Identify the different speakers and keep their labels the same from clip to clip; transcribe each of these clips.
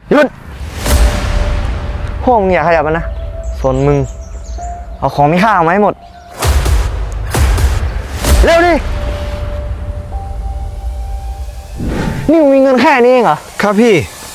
Speaker 1: หยุดพวกมึงอย่าขยับมันนะส่วนมึงเอาของมีค่าออกมาให้หมดเร็วดินี่มึงมีเงินแค่นี้เองเหรอ
Speaker 2: ครับพี่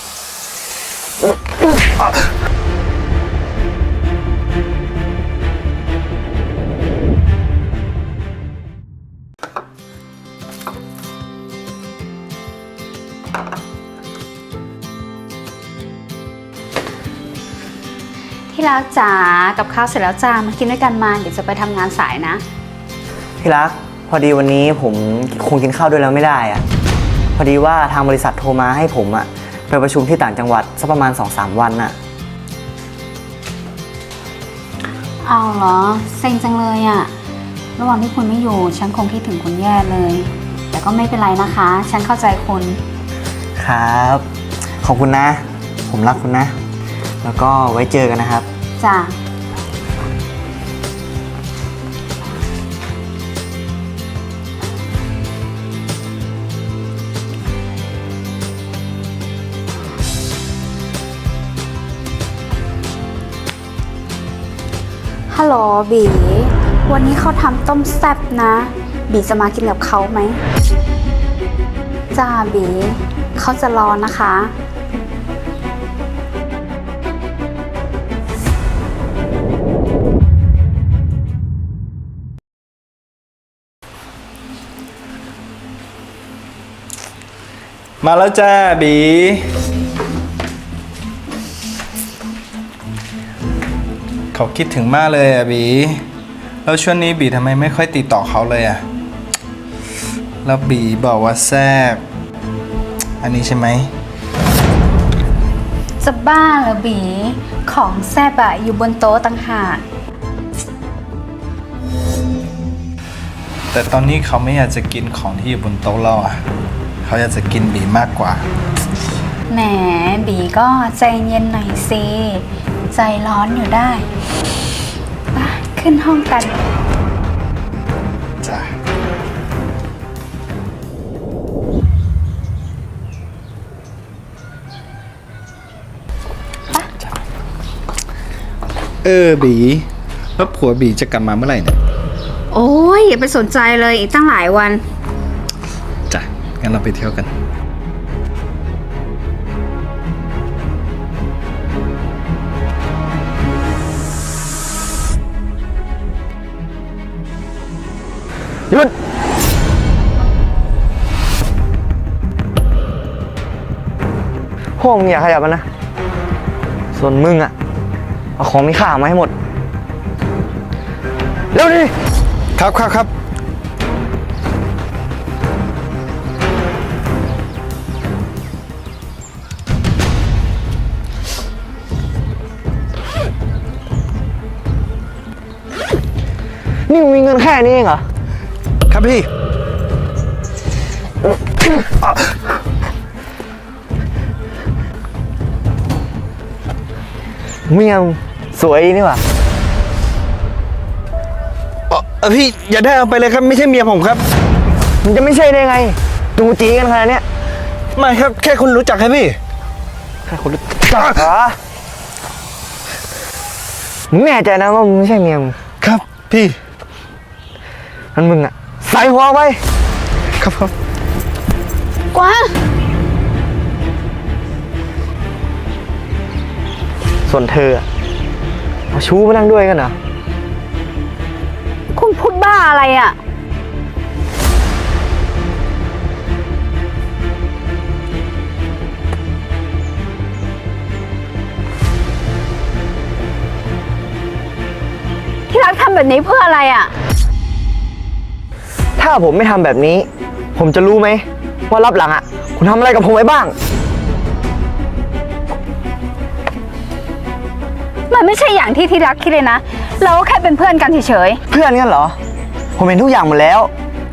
Speaker 3: ที่รักจ๋ากับข้าวเสร็จแล้วจ้ามากินด้วยกันมาเดี๋ยวจะไปทำงานสายนะ
Speaker 1: ที่รักพอดีวันนี้ผมคงกินข้าวด้วยแล้วไม่ได้อะพอดีว่าทางบริษัทโทรมาให้ผมอะไปประชุมที่ต่างจังหวัดสักประมาณ 2-3 วันน่ะ
Speaker 3: เอาเหรอเซ็งจังเลยอะระหว่างที่คุณไม่อยู่ฉันคงคิดถึงคุณแย่เลยแต่ก็ไม่เป็นไรนะคะฉันเข้าใจคุณ
Speaker 1: ครับขอบคุณนะผมรักคุณนะแล้วก็ไว้เจอกันนะครับ
Speaker 3: จ้าฮัลโหลบีวันนี้เขาทำต้มแซ่บนะบีจะมากินกับเขาไหมจ้าบีเขาจะรอนะคะ
Speaker 2: มาแล้วจ้าบีเขาคิดถึงมากเลยอ่ะบีแล้วช่วงนี้บีทำไมไม่ค่อยติดต่อเขาเลยอ่ะแล้วบีบอกว่าแซ่บอันนี้ใช่ไหม
Speaker 3: จะบ้าเหรอบีของแซ่บอะอยู่บนโต๊ะต่างหาก
Speaker 2: แต่ตอนนี้เขาไม่อยากจะกินของที่อยู่บนโต๊ะเราอ่ะเขาอยากจะกินบีมากกว่า
Speaker 3: แหมบีก็ใจเย็นหน่อยสิใจร้อนอยู่ได้ไปขึ้นห้องกัน
Speaker 2: จ้ะบีแล้วผัวบีจะกลับมาเมื่อไหร่เนี่ย
Speaker 3: โอ้ยอย่าไปสนใจเลยอีกตั้งหลายวัน
Speaker 2: จ้ะงั้นเราไปเที่ยวกัน
Speaker 1: หยุดพวกมึงอย่าขยับมันนะส่วนมึงอะเอาของมีค่าออกมาให้หมดเร็วดิ
Speaker 2: ครับ
Speaker 1: นี่มึงมีเงินแค่นี้เองเหรอ
Speaker 2: ครับพี่
Speaker 1: เมียมึงสวยนี่หว่า
Speaker 2: พี่อย่าได้เอาไปเลยครับไม่ใช่เมียผมครับ
Speaker 1: มันจะไม่ใช่ได้ไงดูจีกันขนาดนี้
Speaker 2: ไม่ครับแค่คุณรู้จักครับพี่
Speaker 1: แค่คนรู้จักเหรอมึงแน่ใจนะว่ามึงไม่ใช่เมียมึง
Speaker 2: ครับพี่
Speaker 1: นั่นมึงอะใส่หัวไป
Speaker 2: ครับ
Speaker 3: กวาง
Speaker 1: ส่วนเธอเอาชู้มานั่งด้วยกันเหรอ
Speaker 3: คุณพูดบ้าอะไรอ่ะที่รักทำแบบนี้เพื่ออะไรอ่ะ
Speaker 1: ถ้าผมไม่ทำแบบนี้ผมจะรู้ไหมว่ารับหลังอะคุณทำอะไรกับผมไว้บ้าง
Speaker 3: มันไม่ใช่อย่างที่รักคิดเลยนะเราก็แค่เป็นเพื่อนกันเฉย
Speaker 1: ๆเพื่อนกันเหรอผมเห็นทุกอย่างหมดแล้ว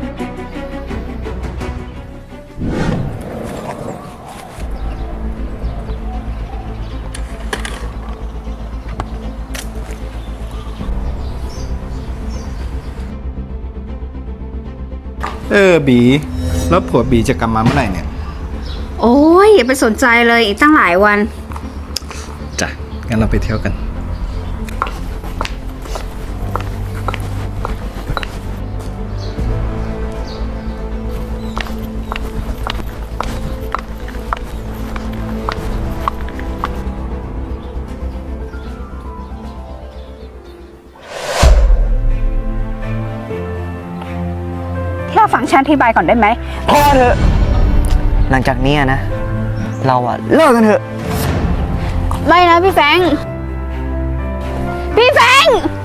Speaker 2: บีแล้วผัวบีจะกลับมาเมื่อไหร่เนี่ย
Speaker 3: โอ้ยอย่าไปสนใจเลยอีกตั้งหลายวัน
Speaker 2: งั้นเราไปเที่ยวกัน
Speaker 4: ที่เราฟังฉันอธิบายก่อนได้ไหม
Speaker 1: พอเถอะ หลังจากนี้นะ เราอะเลิกกันเถอะ
Speaker 4: ไม่นะพี่แฟรงค์พี่แฟรงค์